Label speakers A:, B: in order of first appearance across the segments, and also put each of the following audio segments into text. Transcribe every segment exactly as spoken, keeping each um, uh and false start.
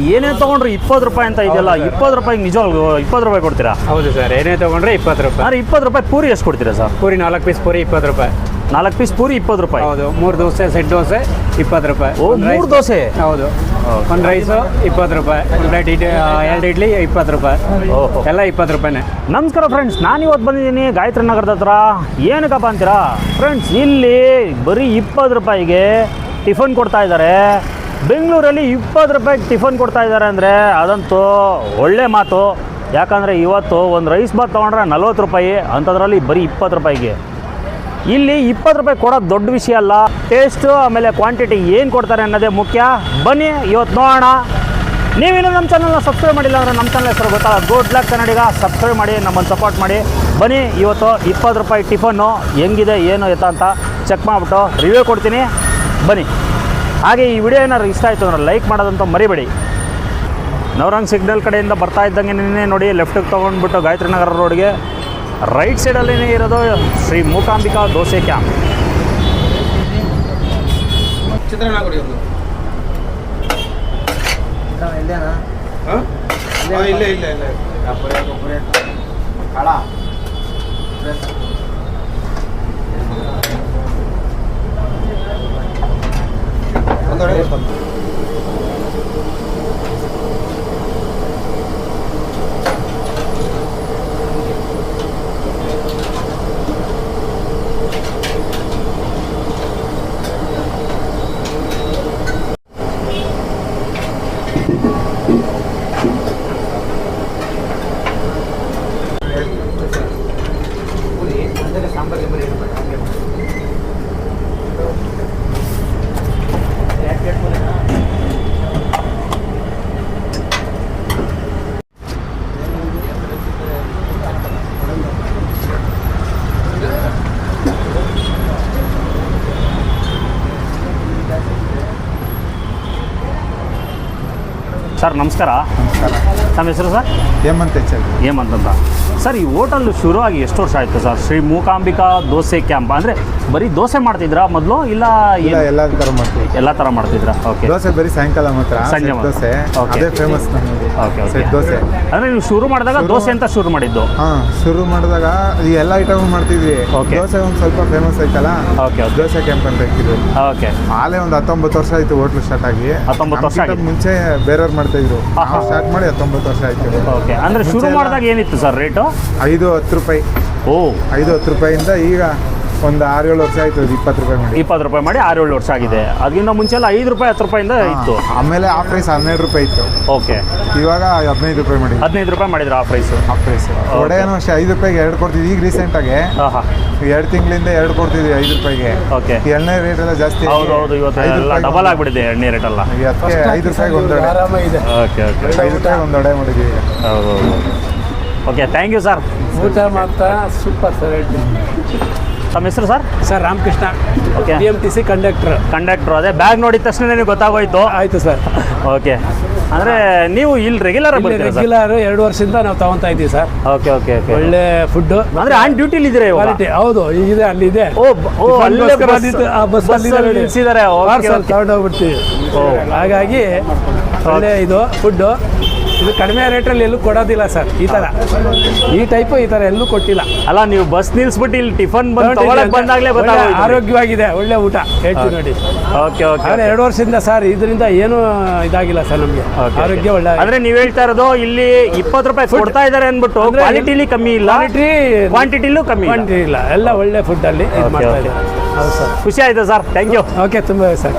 A: ಏನೇ ತೊಗೊಂಡ್ರೆ ಇಪ್ಪತ್ತು ರೂಪಾಯಿ ಅಂತ ಇದೆಯಲ್ಲ, ಇಪ್ಪತ್ತು ರೂಪಾಯಿಗೆ ನಿಜವಾಗ್ಲೂ ಇಪ್ಪತ್ತು ರೂಪಾಯಿ ಕೊಡ್ತೀರಾ?
B: ಹೌದು ಸರ್, ಏನೇ ತೊಗೊಂಡ್ರೆ ಇಪ್ಪತ್ತು ರೂಪಾಯಿ.
A: ಅಂದರೆ ಇಪ್ಪತ್ತು ರೂಪಾಯಿ ಪೂರಿ ಎಷ್ಟು ಕೊಡ್ತೀರಾ ಸರ್?
B: ಪೂರಿ ನಾಲ್ಕು ಪೀಸ್ ಪೂರಿ ಇಪ್ಪತ್ತು ರೂಪಾಯಿ.
A: ನಾಲ್ಕು ಪೀಸ್ ಪೂರಿ ಇಪ್ಪತ್ತು ರೂಪಾಯಿ?
B: ಹೌದು. ಮೂರು ದೋಸೆ ಸೆಟ್ ದೋಸೆ ಇಪ್ಪತ್ತು ರೂಪಾಯಿ.
A: ಓ, ಮೂರು ದೋಸೆ?
B: ಹೌದು. ಒಂದು ರೈಸು ಇಪ್ಪತ್ತು ರೂಪಾಯಿ, ಒಂದು ಪ್ಲೇಟ್ ಇಡ್ಲಿ, ಎರಡು ಇಡ್ಲಿ ಇಪ್ಪತ್ತು ರೂಪಾಯಿ. ಓಹೋ, ಎಲ್ಲ ಇಪ್ಪತ್ತು ರೂಪಾಯಿನೇ.
A: ನಮಸ್ಕಾರ ಫ್ರೆಂಡ್ಸ್, ನಾನು ಇವತ್ತು ಬಂದಿದ್ದೀನಿ ಗಾಯತ್ರಿ ನಗರದ ಹತ್ರ. ಏನಕ್ಕಪ್ಪ ಅಂತೀರಾ ಫ್ರೆಂಡ್ಸ್, ಇಲ್ಲಿ ಬರೀ ಇಪ್ಪತ್ತು ರೂಪಾಯಿಗೆ ಟಿಫನ್ ಕೊಡ್ತಾ ಇದ್ದಾರೆ. ಬೆಂಗಳೂರಲ್ಲಿ ಇಪ್ಪತ್ತು ರೂಪಾಯಿಗೆ ಟಿಫನ್ ಕೊಡ್ತಾ ಇದ್ದಾರೆ ಅಂದರೆ ಅದಂತೂ ಒಳ್ಳೆ ಮಾತು. ಯಾಕಂದರೆ ಇವತ್ತು ಒಂದು ರೈಸ್ ಬಾತ್ ತೊಗೊಂಡ್ರೆ ನಲ್ವತ್ತು ರೂಪಾಯಿ, ಅಂಥದ್ರಲ್ಲಿ ಬರೀ ಇಪ್ಪತ್ತು ರೂಪಾಯಿಗೆ. ಇಲ್ಲಿ ಇಪ್ಪತ್ತು ರೂಪಾಯಿ ಕೊಡೋದು ದೊಡ್ಡ ವಿಷಯ ಅಲ್ಲ, ಟೇಸ್ಟು ಆಮೇಲೆ ಕ್ವಾಂಟಿಟಿ ಏನು ಕೊಡ್ತಾರೆ ಅನ್ನೋದೇ ಮುಖ್ಯ. ಬನ್ನಿ ಇವತ್ತು ನೋಡೋಣ. ನೀವೇನು ನಮ್ಮ ಚಾನಲ್ನ ಸಬ್ಸ್ಕ್ರೈಬ್ ಮಾಡಿಲ್ಲ ಅಂದರೆ ನಮ್ಮ ಚಾನಲ್ ಹೆಸರು ಗೊತ್ತಾ, ಗುಡ್ ಲಕ್ ಕನ್ನಡಿಗ. ಸಬ್ಸ್ಕ್ರೈಬ್ ಮಾಡಿ, ನಮ್ಮನ್ನು ಸಪೋರ್ಟ್ ಮಾಡಿ. ಬನ್ನಿ ಇವತ್ತು ಇಪ್ಪತ್ತು ರೂಪಾಯಿ ಟಿಫನ್ನು ಹೆಂಗಿದೆ ಏನು ಎತ್ತ ಅಂತ ಚೆಕ್ ಮಾಡಿಬಿಟ್ಟು ರಿವ್ಯೂ ಕೊಡ್ತೀನಿ. ಬನ್ನಿ. ಹಾಗೆ ಈ ವಿಡಿಯೋ ಏನಾದ್ರು ಇಷ್ಟ ಆಯಿತು ಅಂದರೆ ಲೈಕ್ ಮಾಡೋದಂತೂ ಮರಿಬೇಡಿ. ನವರಂಗ್ ಸಿಗ್ನಲ್ ಕಡೆಯಿಂದ ಬರ್ತಾ ಇದ್ದಂಗೆ ನಿನ್ನೆ ನೋಡಿ ಲೆಫ್ಟಿಗೆ ತೊಗೊಂಡ್ಬಿಟ್ಟು ಗಾಯತ್ರಿ ನಗರ ರೋಡ್ಗೆ ರೈಟ್ ಸೈಡಲ್ಲೇ ಇರೋದು ಶ್ರೀ ಮೂಕಾಂಬಿಕಾ ದೋಸೆ ಕ್ಯಾಂಪ್.
C: ಚಿತ್ರಾನ್ನ ಕೊಡಿ ಒಂದು. ಇಲ್ಲ ಇಲ್ಲ ಇಲ್ಲ ಒಂದೊಡೆ
A: ಸರ್ ನಮಸ್ಕಾರ.
C: ನಮಸ್ಕಾರ.
A: ನಮ್ಮ ಹೆಸರು sir?
C: Hemanth H L.
A: Hemanth ಅಂತ. ಸರ್ ಈ ಹೋಟೆಲ್ ಶುರುವಾಗಿ ಎಷ್ಟು ವರ್ಷ ಆಯಿತು ಸರ್? ಶ್ರೀ ಮೂಕಾಂಬಿಕಾ ದೋಸೆ ಕ್ಯಾಂಪ್. ಅಂದರೆ ಬರೀ ದೋಸೆ ಮಾಡ್ತಿದ್ರಾ ಮೊದಲು, ಇಲ್ಲ
C: ಎಲ್ಲ ಥರ ಮಾಡ್ತೀವಿ?
A: ಎಲ್ಲ ಥರ ಮಾಡ್ತಿದ್ರಾ? ಓಕೆ.
C: ದೋಸೆ ಬರೀ ಸಾಯಂಕಾಲ ಮಾತ್ರ,
A: ಸಂಜೆ
C: ದೋಸೆ
A: ಓಕೆ,
C: ಅದೇ ಫೇಮಸ್ ನಮಗೆ.
A: Okay okay.
C: ಸೆಟ್ ದೋಸೆ
A: ಅಂದರೆ ನೀವು ಶುರು ಮಾಡಿದಾಗ ದೋಸೆ ಅಂತ ಶುರು ಮಾಡಿದ್ದು?
C: ಹಾಂ, ಶುರು ಮಾಡಿದಾಗ ಈ ಎಲ್ಲ ಐಟಮ್ ಮಾಡ್ತಿದ್ವಿ.
A: ಓಕೆ.
C: ದೋಸೆ ಒಂದು ಸ್ವಲ್ಪ ಫೇಮಸ್ ಆಯ್ತಲ್ಲ,
A: ಓಕೆ ಓಕೆ.
C: ದೋಸೆ ಕ್ಯಾಂಪ್ ಅಂತ ಇಟ್ಟಿದ್ವಿ.
A: ಓಕೆ.
C: ಆಲೇ ಒಂದು ಹತ್ತೊಂಬತ್ತು ವರ್ಷ ಆಯಿತು ಹೋಟ್ಲು ಸ್ಟಾರ್ಟ್ ಆಗಿ.
A: ಹತ್ತೊಂಬತ್ತು ವರ್ಷ ಆಗಿದೆ.
C: ಮುಂಚೆ ಬೇರೆಯವ್ರು ಮಾಡ್ತಾ ಇದ್ರು, ಸ್ಟಾರ್ಟ್ ಮಾಡಿ ಹತ್ತೊಂಬತ್ತು ವರ್ಷ ಆಯ್ತು.
A: ಓಕೆ. ಅಂದರೆ ಶುರು ಮಾಡಿದಾಗ ಏನಿತ್ತು ಸರ್ ರೇಟು?
C: ಐದು ಹತ್ತು ರೂಪಾಯಿ.
A: ಓ,
C: ಐದು ಹತ್ತು ರೂಪಾಯಿಂದ ಈಗ ಒಂದು ಆರು ಏಳು ವರ್ಷ ಆಯ್ತು ಇಪ್ಪತ್ತು ರೂಪಾಯಿ ಮಾಡಿ.
A: ಇಪ್ಪತ್ತು ರೂಪಾಯಿ ಮಾಡಿ ಆರು ಏಳು ವರ್ಷ ಆಗಿದೆ. ಅದಕ್ಕಿಂತ ಮುಂಚೆ ಎಲ್ಲ ಐದು ರೂಪಾಯಿ ಹತ್ತು ರೂಪಾಯಿಂದ ಇತ್ತು.
C: ಆಮೇಲೆ ಆಫ್ ಪ್ರೈಸ್ ಹನ್ನೆರಡು ರೂಪಾಯಿ ಇತ್ತು.
A: ಓಕೆ.
C: ಇವಾಗ ಹದಿನೈದು ರೂಪಾಯಿ ಮಾಡಿ.
A: ಹದಿನೈದು ರೂಪಾಯಿ ಮಾಡಿದ್ರು ಆಫ್ ಪ್ರೈಸು?
C: Half price. ವಡೆನೂ ಅಷ್ಟೇ ಐದು ರೂಪಾಯಿಗೆ ಎರಡು ಕೊಡ್ತಿದ್ವಿ. ಈಗ ರೀಸೆಂಟಾಗಿ
A: ಹಾಂ ಹಾಂ,
C: ಎರಡು ತಿಂಗಳಿಂದ ಎರಡು ಕೊಡ್ತಿದ್ವಿ ಐದು ರೂಪಾಯಿಗೆ.
A: ಓಕೆ.
C: ಎಣ್ಣೆ ರೇಟ್ ಎಲ್ಲ ಜಾಸ್ತಿ.
A: ಹೌದು ಹೌದು, ಇವತ್ತು ಎಲ್ಲ ಡಬಲ್ ಆಗಿಬಿಟ್ಟಿದೆ ಎಣ್ಣೆ ರೇಟ್ ಎಲ್ಲ.
C: ಅದಕ್ಕೆ ಐದು ರೂಪಾಯಿಗೆ ಒಂದು ವಡೆ.
A: Okay okay.
C: ಐದು ರೂಪಾಯಿಗೆ ಒಂದು ವಡೆ ಮಾಡಿದ್ವಿ.
A: ಹೌದು ಹೌದು. Okay, thank you sir.
B: ಊಟ ಮಾಡ್ತಾ ಸೂಪರ್ ಸರ್.
A: ತಮ್ಮ ಹೆಸರು sir?
B: Sir Ramakrishna.
A: Okay.
B: B M T C conductor.
A: Conductor. ಅದೇ ಬ್ಯಾಗ್ ನೋಡಿದ ತಕ್ಷಣ ನಿಮಗೆ ಗೊತ್ತಾಗೋಯ್ತು.
B: ಆಯಿತು ಸರ್.
A: ಓಕೆ. ಅಂದರೆ ನೀವು ಇಲ್ಲಿ ರೆಗ್ಯುಲರ್ ಬರ್ತೀರಾ ಸರ್?
B: ರೆಗ್ಯುಲರ್ ಎರಡು ವರ್ಷದಿಂದ ನಾವು ತಗೊತಾ ಇದ್ದೀವಿ ಸರ್.
A: Okay okay okay.
B: ಒಳ್ಳೆ ಫುಡ್ಡು.
A: ಅಂದರೆ ಆನ್ ಡ್ಯೂಟಿಲಿ ಇದ್ದೀರಾ ಇವಾಗ?
B: ಕ್ವಾಲಿಟಿ. ಹೌದು, ಇದೆ ಅಲ್ಲಿದೆ.
A: ಓ ಓ, ಅಲ್ಲೇ
B: ಬಸ್ ಅಲ್ಲಿ
A: ನಿಲ್ಲಿಸಿದ್ದಾರೆ.
B: ತಗೊಂಡೋಗ್ಬಿಡ್ತೀವಿ. ಹಾಗಾಗಿ ಒಳ್ಳೆ ಇದು ಫುಡ್ಡು. ಇದು ಕಡಿಮೆ ರೇಟಲ್ಲಿ ಎಲ್ಲೂ ಕೊಡೋದಿಲ್ಲ ಸರ್. ಈ ಥರ ಈ ಟೈಪು ಈ ಥರ ಎಲ್ಲೂ ಕೊಟ್ಟಿಲ್ಲ.
A: ಅಲ್ಲ, ನೀವು ಬಸ್ ನಿಲ್ಸ್ಬಿಟ್ಟು ಇಲ್ಲಿ ಟಿಫನ್ ಬಂದು ತಗೊಳಕ್ ಬಂದಾಗಲೇ ಗೊತ್ತಾಗೋಯ್ತು.
B: ಆರೋಗ್ಯವಾಗಿದೆ, ಒಳ್ಳೆ ಊಟ ಹೇಳ್ತೀವಿ ನೋಡಿ.
A: Okay okay.
B: ಆದರೆ ಎರಡು ವರ್ಷದಿಂದ ಸರ್ ಇದರಿಂದ ಏನೂ ಇದಾಗಿಲ್ಲ ಸರ್ ನಮಗೆ. ಆರೋಗ್ಯ ಒಳ್ಳೆ.
A: ಅಂದ್ರೆ ನೀವು ಹೇಳ್ತಾ ಇರೋದು ಇಲ್ಲಿ ಇಪ್ಪತ್ತು ರೂಪಾಯಿ ಕೊಡ್ತಾ ಇದ್ದಾರೆ ಅಂದ್ಬಿಟ್ಟು ಕ್ವಾಲಿಟಿಲಿ ಕಮ್ಮಿ ಇಲ್ಲ,
B: ಕ್ವಾಲಿಟಿ
A: ಕ್ವಾಂಟಿಟಿಲೂ ಕಮ್ಮಿ
B: ಕ್ವಾಂಟಿಟಿ ಇಲ್ಲ, ಎಲ್ಲ ಒಳ್ಳೆ ಫುಡ್ಡಲ್ಲಿ ಇದು ಮಾಡ್ತಾ ಇದ್ದಾರೆ. ಹೌದು ಸರ್.
A: ಖುಷಿ ಆಯ್ತು ಸರ್. Thank you.
B: ಓಕೆ, ತುಂಬ ಸರ್.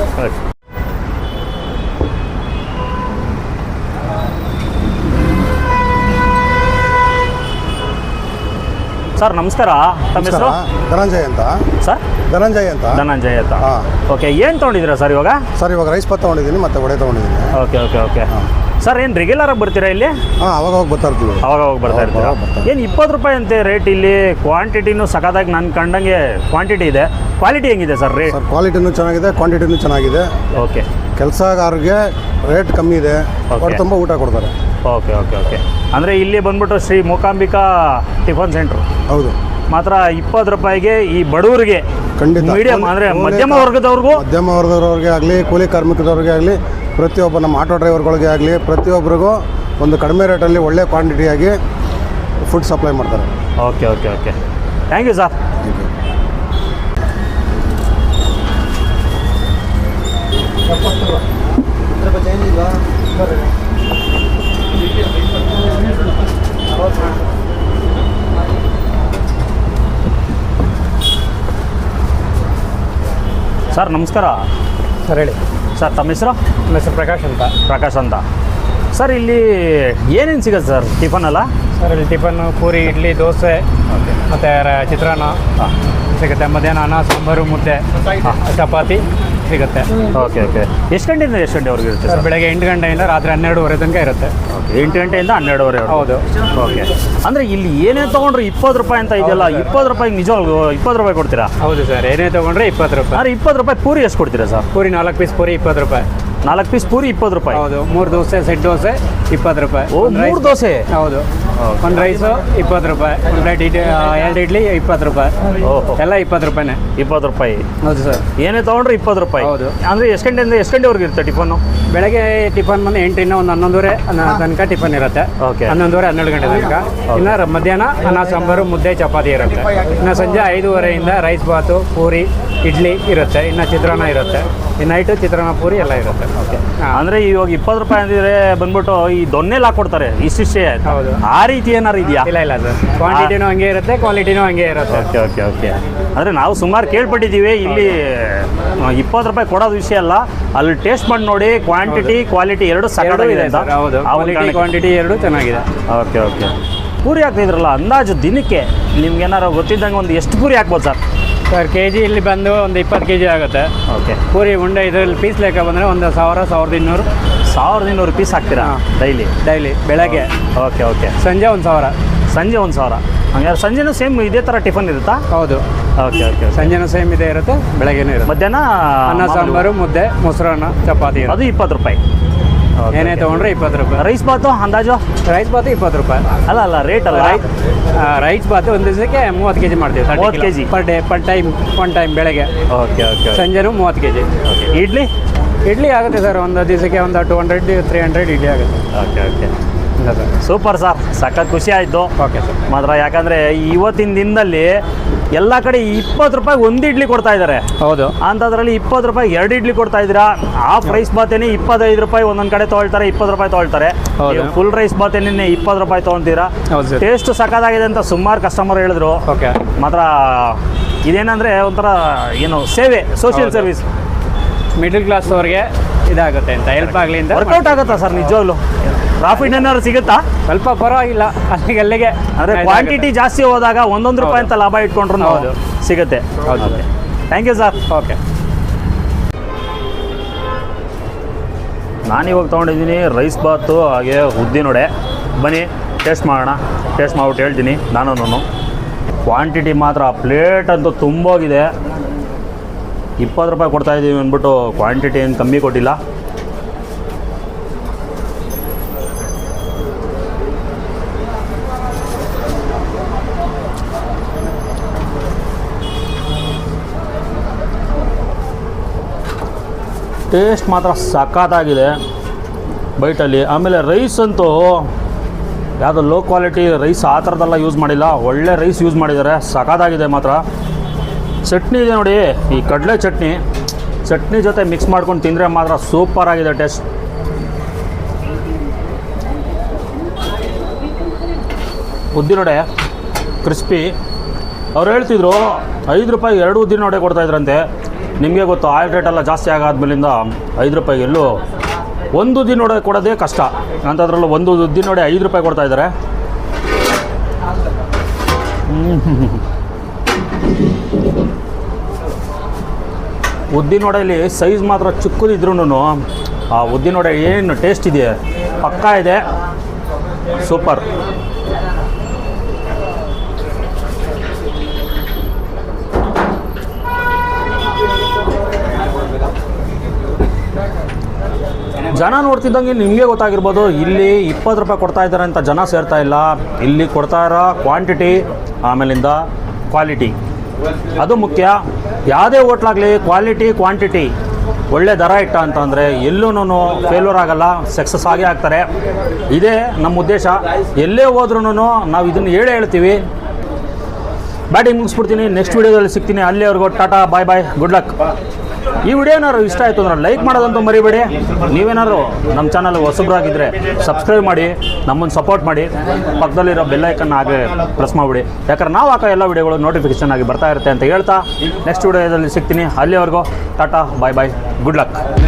A: ಸರ್ ನಮಸ್ಕಾರ. ತಮ್ಮ ಹೆಸರು?
D: ಧನಂಜಯ್ ಅಂತ
A: ಸರ್.
D: ಧನಂಜಯ್ ಅಂತ.
A: ಧನಂಜಯ್ ಅಂತ.
D: ಹಾಂ.
A: ಓಕೆ. ಏನು ತೊಗೊಂಡಿದ್ದೀರಾ ಸರ್ ಇವಾಗ?
D: ಸರ್ ಇವಾಗ ರೈಸ್ ಬಾತ್ ತೊಗೊಂಡಿದ್ದೀನಿ, ಮತ್ತೆ ವಡೆ ತೊಗೊಂಡಿದ್ದೀನಿ.
A: Okay okay okay. ಸರ್ ಏನು ರೆಗ್ಯುಲರ್ ಆಗಿ ಬರ್ತೀರಾ ಇಲ್ಲಿ?
D: ಹಾಂ, ಅವಾಗ ಹೋಗಿ ಬರ್ತಾ ಇರ್ತೀವಿ.
A: ಅವಾಗ ಹೋಗಿ ಬರ್ತಾ ಇರ್ತೀರಾ? ಏನು ಇಪ್ಪತ್ತು ರೂಪಾಯಿ ಅಂತೆ ರೇಟ್ ಇಲ್ಲಿ? ಕ್ವಾಂಟಿಟಿನೂ ಸಖತ್ತಾಗಿ ನಾನು ಕಂಡಂಗೆ ಕ್ವಾಂಟಿಟಿ ಇದೆ. ಕ್ವಾಲಿಟಿ ಹೆಂಗಿದೆ ಸರ್ ರೇಟ್?
D: ಸರ್ ಕ್ವಾಲಿಟಿನೂ ಚೆನ್ನಾಗಿದೆ, ಕ್ವಾಂಟಿಟಿನೂ ಚೆನ್ನಾಗಿದೆ.
A: ಓಕೆ.
D: ಕೆಲಸಗಾರರಿಗೆ ರೇಟ್ ಕಮ್ಮಿ ಇದೆ, ಅವ್ರು ತುಂಬ ಊಟ ಕೊಡ್ತಾರೆ.
A: Okay okay okay. ಅಂದರೆ ಇಲ್ಲಿ ಬಂದ್ಬಿಟ್ಟು ಶ್ರೀ ಮೂಕಾಂಬಿಕಾ ಟಿಫನ್ ಸೆಂಟ್ರು.
D: ಹೌದು.
A: ಮಾತ್ರ ಇಪ್ಪತ್ತು ರೂಪಾಯಿಗೆ ಈ ಬಡವರಿಗೆ,
D: ಖಂಡಿತ
A: ಮೀಡಿಯಂ ಅಂದರೆ ಮಧ್ಯಮ ವರ್ಗದವ್ರಿಗೂ,
D: ಮಧ್ಯಮ ವರ್ಗದವ್ರಿಗೆ ಆಗಲಿ, ಕೂಲಿ ಕಾರ್ಮಿಕದವ್ರಿಗೆ ಆಗಲಿ ಪ್ರತಿಯೊಬ್ಬ ನಮ್ಮ ಆಟೋ ಡ್ರೈವರ್ಗಳಿಗೆ ಆಗಲಿ ಪ್ರತಿಯೊಬ್ಬರಿಗೂ ಒಂದು ಕಡಿಮೆ ರೇಟಲ್ಲಿ ಒಳ್ಳೆ ಕ್ವಾಂಟಿಟಿಯಾಗಿ ಫುಡ್ ಸಪ್ಲೈ ಮಾಡ್ತಾರೆ.
A: Okay okay okay thank you sir. Sir ನಮಸ್ಕಾರ.
B: ಸರ್ ಹೇಳಿ.
A: ಸರ್ ತಮ್ಮ ಹೆಸರು?
B: ನಮ್ಮ ಹೆಸರು ಪ್ರಕಾಶ್ ಅಂತ.
A: ಪ್ರಕಾಶ್ ಅಂತ. ಸರ್ ಇಲ್ಲಿ ಏನೇನು ಸಿಗುತ್ತೆ ಸರ್ ಟಿಫನ್ ಅಲ್ಲ?
B: ಸರ್ ಇಲ್ಲಿ ಟಿಫನ್ನು ಪೂರಿ, ಇಡ್ಲಿ, ದೋಸೆ ಮತ್ತು ಚಿತ್ರಾನ್ನ ಸಿಗುತ್ತೆ. ಮಧ್ಯಾಹ್ನ ಅನ್ನ, ಸಾಂಬಾರು, ಮುದ್ದೆ, ಚಪಾತಿ ಸಿಗುತ್ತೆ.
A: ಓಕೆ ಓಕೆ ಎಷ್ಟು ಗಂಟೆಯಿಂದ ಎಷ್ಟು ಗಂಟೆವರೆಗೆ ಇರುತ್ತೆ
B: ಸರ್
A: ಸರ್?
B: ಬೆಳಗ್ಗೆ ಎಂಟು ಗಂಟೆಯಿಂದ ರಾತ್ರಿ ಹನ್ನೆರಡುವರೆ ತನಕ ಇರುತ್ತೆ.
A: ಓಕೆ ಎಂಟು ಗಂಟೆಯಿಂದ ಹನ್ನೆರಡುವರೆ.
B: ಹೌದು.
A: ಓಕೆ ಅಂದರೆ ಇಲ್ಲಿ ಏನೇ ತೊಗೊಂಡ್ರೆ ಇಪ್ಪತ್ತು ರೂಪಾಯಿ ಅಂತ ಇದೆಯಲ್ಲ, ಇಪ್ಪತ್ತು ರೂಪಾಯಿಗೆ ನಿಜವಾಗ್ಲೂ ಇಪ್ಪತ್ತು ರೂಪಾಯಿ ಕೊಡ್ತೀರಾ?
B: ಹೌದು ಸರ್, ಏನೇ ತೊಗೊಂಡ್ರೆ ಇಪ್ಪತ್ತು ರೂಪಾಯಿ.
A: ಅಂದರೆ ಇಪ್ಪತ್ತು ರೂಪಾಯಿ ಪೂರಿ ಎಷ್ಟು ಕೊಡ್ತೀರಾ ಸರ್?
B: ಪೂರಿ ನಾಲ್ಕು ಪೀಸ್ ಪೂರಿ ಇಪ್ಪತ್ತು ರೂಪಾಯಿ.
A: ನಾಲ್ಕು ಪೀಸ್ ಪೂರಿ ಇಪ್ಪತ್ತು ರೂಪಾಯಿ?
B: ಹೌದು. ಮೂರು ದೋಸೆ, ಸೆಟ್ ದೋಸೆ ಇಪ್ಪತ್ತು ರೂಪಾಯಿ.
A: ಓ ಮೂರು ದೋಸೆ?
B: ಹೌದು. ಒಂದು ರೈಸು ಇಪ್ಪತ್ತು ರೂಪಾಯಿ, ಒಂದು ಪ್ಲೇಟ್ ಇಡ್ಲಿ, ಎರಡು ಇಡ್ಲಿ ಇಪ್ಪತ್ತು ರೂಪಾಯಿ.
A: ಓಹೋ,
B: ಎಲ್ಲ ಇಪ್ಪತ್ತು ರೂಪಾಯಿನೇ.
A: ಇಪ್ಪತ್ತು ರೂಪಾಯಿ?
B: ಹೌದು ಸರ್.
A: ಏನೇ ತೊಗೊಂಡ್ರೆ ಇಪ್ಪತ್ತು ರೂಪಾಯಿ?
B: ಹೌದು.
A: ಅಂದರೆ ಎಷ್ಟು ಗಂಟೆಯಿಂದ ಎಷ್ಟು ಗಂಟೆವರೆಗೆ ಇರುತ್ತೆ ಟಿಫನ್ನು?
B: ಬೆಳಗ್ಗೆ ಟಿಫನ್ ಬಂದು ಎಂಟರಿಂದ ಒಂದು ಹನ್ನೊಂದುವರೆ ತನಕ ಟಿಫನ್ ಇರುತ್ತೆ.
A: ಓಕೆ.
B: ಹನ್ನೊಂದುವರೆ ಹನ್ನೆರಡು ಗಂಟೆ ತನಕ. ಇನ್ನು ರ- ಮಧ್ಯಾಹ್ನ ಅನ್ನ, ಸಾಂಬಾರು, ಮುದ್ದೆ, ಚಪಾತಿ ಇರುತ್ತೆ. ಇನ್ನು ಸಂಜೆ ಐದೂವರೆಯಿಂದ ರೈಸ್ ಬಾತು, ಪೂರಿ, ಇಡ್ಲಿ ಇರುತ್ತೆ. ಇನ್ನು ಚಿತ್ರಾನ್ನ ಇರುತ್ತೆ. ಈ ನೈಟು ಚಿತ್ರಾನ್ನ, ಪೂರಿ ಎಲ್ಲ ಇರುತ್ತೆ. ಓಕೆ.
A: ಅಂದರೆ ಇವಾಗ ಇಪ್ಪತ್ತು ರೂಪಾಯಿ ಅಂದಿದ್ರೆ ಬಂದ್ಬಿಟ್ಟು ಈ ದೊನ್ನೆಲ್ಲ ಹಾಕ್ಕೊಡ್ತಾರೆ ಇಷ್ಟಿಷ್ಟೇ.
B: ಹೌದು.
A: ಆ ರೀತಿ ಏನಾರು ಇದೆಯಾ?
B: ಇಲ್ಲ ಇಲ್ಲ ಸರ್, ಕ್ವಾಂಟಿಟಿನೂ ಹಂಗೆ ಇರುತ್ತೆ, ಕ್ವಾಲಿಟಿನೂ ಹಂಗೆ ಇರುತ್ತೆ.
A: ಓಕೆ ಓಕೆ ಓಕೆ ಅಂದರೆ ನಾವು ಸುಮಾರು ಕೇಳ್ಪಟ್ಟಿದ್ದೀವಿ ಇಲ್ಲಿ ಇಪ್ಪತ್ತು ರೂಪಾಯಿ ಕೊಡೋದು ವಿಷಯ ಅಲ್ಲ, ಅಲ್ಲಿ ಟೇಸ್ಟ್ ಮಾಡಿ ನೋಡಿ, ಕ್ವಾಂಟಿಟಿ ಕ್ವಾಲಿಟಿ ಎರಡು
B: ಎರಡೂ
A: ಸಕಲಾಗಿದೆ
B: ಇದೆ
A: ಅಂತ.
B: ಸರ್. ಹೌದು.
A: ಆ ಒಂದು
B: ಕ್ವಾಲಿಟಿ
A: ಕಾರಣಕ್ಕೆ.
B: ಕ್ವಾಂಟಿಟಿ ಎರಡು ಚೆನ್ನಾಗಿದೆ.
A: ಓಕೆ ಓಕೆ ಪೂರಿ ಹಾಕ್ತಿದ್ರಲ್ಲ, ಅಂದಾಜು ದಿನಕ್ಕೆ ನಿಮ್ಗೆ ಏನಾರು ಗೊತ್ತಿದ್ದಂಗೆ ಒಂದು ಎಷ್ಟು ಪೂರಿ ಹಾಕ್ಬೋದು ಸರ್?
B: ಸರ್ ಕೆ ಜಿ ಇಲ್ಲಿ ಬಂದು ಒಂದು ಇಪ್ಪತ್ತು ಕೆ ಜಿ ಆಗುತ್ತೆ.
A: ಓಕೆ.
B: ಪೂರಿ ಉಂಡೆ ಇದರಲ್ಲಿ ಪೀಸ್ ಲೆಕ್ಕ ಬಂದರೆ ಒಂದು ಸಾವಿರ ಸಾವಿರದ ಇನ್ನೂರು
A: ಸಾವಿರದ ಇನ್ನೂರು ಪೀಸ್ ಹಾಕ್ತೀರಾ ಡೈಲಿ?
B: ಡೈಲಿ. ಬೆಳಗ್ಗೆ.
A: Okay okay.
B: ಸಂಜೆ ಒಂದು ಸಾವಿರ.
A: ಸಂಜೆ ಒಂದು ಸಾವಿರ? ಹಂಗಾರೆ ಸಂಜೆನೂ ಸೇಮ್ ಇದೇ ಥರ ಟಿಫನ್ ಇರುತ್ತಾ?
B: ಹೌದು.
A: Okay okay.
B: ಸಂಜೆನೂ ಸೇಮ್ ಇದೇ ಇರುತ್ತೆ, ಬೆಳಗ್ಗೆನೂ ಇರುತ್ತೆ.
A: ಮಧ್ಯಾಹ್ನ
B: ಅನ್ನ,
A: ಮಾಮೂಲಿ
B: ಸಾಂಬಾರು, ಮುದ್ದೆ, ಮೊಸರನ್ನ, ಚಪಾತಿ ಇರುತ್ತೆ.
A: ಅದು ಇಪ್ಪತ್ತು ರೂಪಾಯಿ? Okay,
B: ಏನೇ
A: okay.
B: ತೊಗೊಂಡ್ರೆ ಇಪ್ಪತ್ತು ರೂಪಾಯಿ.
A: ರೈಸ್ ಬಾತು ಅಂದಾಜು?
B: ರೈಸ್ ಬಾತು ಇಪ್ಪತ್ತು ರೂಪಾಯಿ.
A: ಅಲ್ಲ ಅಲ್ಲ ರೇಟ್ ಅಲ್ಲ.
B: ರೈಸ್ ರೈಸ್ ಬಾತು ಒಂದು ದಿವಸಕ್ಕೆ ಮೂವತ್ತು ಕೆ ಜಿ ಮಾಡ್ತೀವಿ.
A: ಮೂವತ್ತು K G
B: per day, per time. One time ಬೆಳಗ್ಗೆ.
A: Okay okay.
B: ಸಂಜೆನೂ ಮೂವತ್ತು ಕೆ ಜಿ.
A: ಇಡ್ಲಿ?
B: ಇಡ್ಲಿ ಆಗುತ್ತೆ ಸರ್, ಒಂದು ದಿವಸಕ್ಕೆ ಒಂದು two hundred three hundred idli ಆಗುತ್ತೆ.
A: ಓಕೆ ಓಕೆ
B: ಇಲ್ಲ ಸರ್.
A: ಸೂಪರ್ ಸರ್, ಸಖತ್ ಖುಷಿ ಆಯಿತು.
B: Okay sir.
A: ಮಾತ್ರ ಯಾಕಂದರೆ ಇವತ್ತಿನ ದಿನದಲ್ಲಿ ಎಲ್ಲ ಕಡೆ ಇಪ್ಪತ್ತು ರೂಪಾಯಿ ಒಂದು ಇಡ್ಲಿ ಕೊಡ್ತಾ ಇದ್ದಾರೆ.
B: ಹೌದು.
A: ಅಂಥದ್ರಲ್ಲಿ ಇಪ್ಪತ್ತು ರೂಪಾಯಿ ಎರಡು ಇಡ್ಲಿ ಕೊಡ್ತಾ ಇದ್ದೀರಾ. ಹಾಫ್ ರೈಸ್ ಬಾತೇನೆ ಇಪ್ಪತ್ತೈದು ರೂಪಾಯಿ ಒಂದೊಂದು ಕಡೆ ತೊಗೊಳ್ತಾರೆ, ಇಪ್ಪತ್ತು ರೂಪಾಯಿ ತೊಗೊಳ್ತಾರೆ.
B: ಹೌದು.
A: ಫುಲ್ ರೈಸ್ ಬಾತೇನೆ ಇಪ್ಪತ್ತು ರೂಪಾಯಿ ತೊಗೊತೀರಾ.
B: ಹೌದು ಸರ್.
A: ಟೇಸ್ಟ್ ಸಖತ್ತಾಗಿದೆ ಅಂತ ಸುಮಾರು ಕಸ್ಟಮರ್ ಹೇಳಿದ್ರು.
B: ಓಕೆ.
A: ಮಾತ್ರ ಇದೇನಂದರೆ ಒಂಥರ ಏನು ಸೇವೆ, ಸೋಷಿಯಲ್
B: ಹೌದು.
A: ಸರ್ವಿಸ್.
B: ಮಿಡಲ್ ಕ್ಲಾಸ್ ಅವ್ರಿಗೆ ಇದಾಗುತ್ತೆ ಅಂತ, ಹೆಲ್ಪ್ ಆಗಲಿ ಅಂತ.
A: ವರ್ಕೌಟ್ ಆಗುತ್ತಾ ಸರ್ ನಿಜವಾಗ್ಲು? ಪ್ರಾಫಿಟ್ ಏನಾದ್ರು ಸಿಗುತ್ತಾ?
B: ಸ್ವಲ್ಪ ಪರವಾಗಿಲ್ಲ, ಅಲ್ಲಿಗೆ ಅಲ್ಲಿಗೆ.
A: ಅಂದರೆ ಕ್ವಾಂಟಿಟಿ ಜಾಸ್ತಿ ಹೋದಾಗ ಒಂದೊಂದು ರೂಪಾಯಿ ಅಂತ ಲಾಭ ಇಟ್ಕೊಂಡ್ರು
B: ಹೌದು.
A: ಸಿಗುತ್ತೆ.
B: ಹೌದು.
A: Thank you sir.
B: ಓಕೆ.
A: ನಾನಿವಾಗ ತೊಗೊಂಡಿದ್ದೀನಿ ರೈಸ್ ಬಾತು ಹಾಗೆ ಉದ್ದಿನೊಡೆ. ಬನ್ನಿ ಟೇಸ್ಟ್ ಮಾಡೋಣ. ಟೇಸ್ಟ್ ಮಾಡ್ಬಿಟ್ಟು ಹೇಳ್ತೀನಿ ನಾನು. ಕ್ವಾಂಟಿಟಿ ಮಾತ್ರ ಪ್ಲೇಟ್ ಅಂತೂ ತುಂಬೋಗಿದೆ. ಇಪ್ಪತ್ತು ರೂಪಾಯಿ ಕೊಡ್ತಾಯಿದ್ದೀವಿ ಅಂದ್ಬಿಟ್ಟು ಕ್ವಾಂಟಿಟಿ ಏನು ಕಮ್ಮಿ ಕೊಟ್ಟಿಲ್ಲ. ಟೇಸ್ಟ್ ಮಾತ್ರ ಸಖತ್ತಾಗಿದೆ ಬೈಟಲ್ಲಿ. ಆಮೇಲೆ ರೈಸ್ ಅಂತೂ ಯಾವುದೋ ಲೋ ಕ್ವಾಲಿಟಿ ರೈಸ್ ಆ ಥರದ್ದೆಲ್ಲ ಯೂಸ್ ಮಾಡಿಲ್ಲ, ಒಳ್ಳೆ ರೈಸ್ ಯೂಸ್ ಮಾಡಿದ್ದಾರೆ. ಸಖತ್ತಾಗಿದೆ ಮಾತ್ರ. ಚಟ್ನಿ ಇದೆ ನೋಡಿ, ಈ ಕಡಲೆ ಚಟ್ನಿ. ಚಟ್ನಿ ಜೊತೆ ಮಿಕ್ಸ್ ಮಾಡ್ಕೊಂಡು ತಿಂದರೆ ಮಾತ್ರ ಸೂಪರಾಗಿದೆ ಟೇಸ್ಟ್. ಉದ್ದಿನೊಡೆ ಕ್ರಿಸ್ಪಿ. ಅವ್ರು ಹೇಳ್ತಿದ್ರು ಐದು ರೂಪಾಯಿಗೆ ಎರಡು ಉದ್ದಿನೊಡೆ ಕೊಡ್ತಾಯಿದ್ರಂತೆ. ನಿಮಗೆ ಗೊತ್ತು ಆಯಿಲ್ ರೇಟೆಲ್ಲ ಜಾಸ್ತಿ ಆಗಾದ್ಮೇಲಿಂದ ಐದು ರೂಪಾಯಿಗೆ ಎಲ್ಲೂ ಒಂದು ಉದ್ದಿನೊಡೆ ಕೊಡೋದೇ ಕಷ್ಟ. ಅಂಥದ್ರಲ್ಲೂ ಒಂದು ಉದ್ದಿನೊಡೆ ಐದು ರೂಪಾಯಿ ಕೊಡ್ತಾಯಿದ್ದಾರೆ. ಉದ್ದಿನೊಡೆಯಲ್ಲಿ ಸೈಜ್ ಮಾತ್ರ ಚಿಕ್ಕದಿದ್ರೂ ಆ ಉದ್ದಿನೊಡೆ ಏನು ಟೇಸ್ಟ್ ಇದೆ ಪಕ್ಕಾ ಇದೆ. ಸೂಪರ್. ಜನ ನೋಡ್ತಿದ್ದಂಗೆ ನಿಮಗೆ ಗೊತ್ತಾಗಿರ್ಬೋದು, ಇಲ್ಲಿ ಇಪ್ಪತ್ತು ರೂಪಾಯಿ ಕೊಡ್ತಾ ಇದ್ದಾರೆ ಅಂತ ಜನ ಸೇರ್ತಾ ಇಲ್ಲ. ಇಲ್ಲಿ ಕೊಡ್ತಾ ಇರೋ ಕ್ವಾಂಟಿಟಿ ಆಮೇಲಿಂದ ಕ್ವಾಲಿಟಿ ಅದು ಮುಖ್ಯ. ಯಾವುದೇ ಹೋಟ್ಲಾಗಲಿ ಕ್ವಾಲಿಟಿ ಕ್ವಾಂಟಿಟಿ ಒಳ್ಳೆ ದರ ಇಟ್ಟ ಅಂತಂದರೆ ಎಲ್ಲೂ ಫೇಲ್ಯೂರ್ ಆಗಲ್ಲ, ಸಕ್ಸಸ್ ಆಗೇ ಆಗ್ತಾರೆ. ಇದೇ ನಮ್ಮ ಉದ್ದೇಶ. ಎಲ್ಲೇ ಹೋದ್ರೂ ನಾವು ಇದನ್ನು ಹೇಳೇ ಹೇಳ್ತೀವಿ. ಬ್ಯಾಟಿಂಗ್ ಮುಗಿಸ್ಬಿಡ್ತೀನಿ, ನೆಕ್ಸ್ಟ್ ವೀಡಿಯೋದಲ್ಲಿ ಸಿಗ್ತೀನಿ. ಅಲ್ಲಿವರೆಗೂ Tata, bye bye, good luck. ಈ ವಿಡಿಯೋ ಏನಾದ್ರು ಇಷ್ಟ ಆಯಿತು ಅಂದ್ರೆ ಲೈಕ್ ಮಾಡೋದಂತೂ ಮರಿಬೇಡಿ. ನೀವೇನಾದ್ರು ನಮ್ಮ ಚಾನಲ್ ಹೊಸಬ್ರಾಗಿದ್ದರೆ ಸಬ್ಸ್ಕ್ರೈಬ್ ಮಾಡಿ, ನಮ್ಮನ್ನು ಸಪೋರ್ಟ್ ಮಾಡಿ. ಪಕ್ಕದಲ್ಲಿರೋ ಬೆಲ್ಲೈಕನ್ನ ಹಾಗೆ ಪ್ರೆಸ್ ಮಾಡಿಬಿಡಿ, ಯಾಕಂದ್ರೆ ನಾವು ಹಾಕೋ ಎಲ್ಲ ವಿಡಿಯೋಗಳು ನೋಟಿಫಿಕೇಷನ್ ಆಗಿ ಬರ್ತಾ ಇರುತ್ತೆ ಅಂತ ಹೇಳ್ತಾ ನೆಕ್ಸ್ಟ್ ವಿಡಿಯೋದಲ್ಲಿ ಸಿಗ್ತೀನಿ. ಅಲ್ಲಿವರೆಗೂ Tata, bye bye, good luck.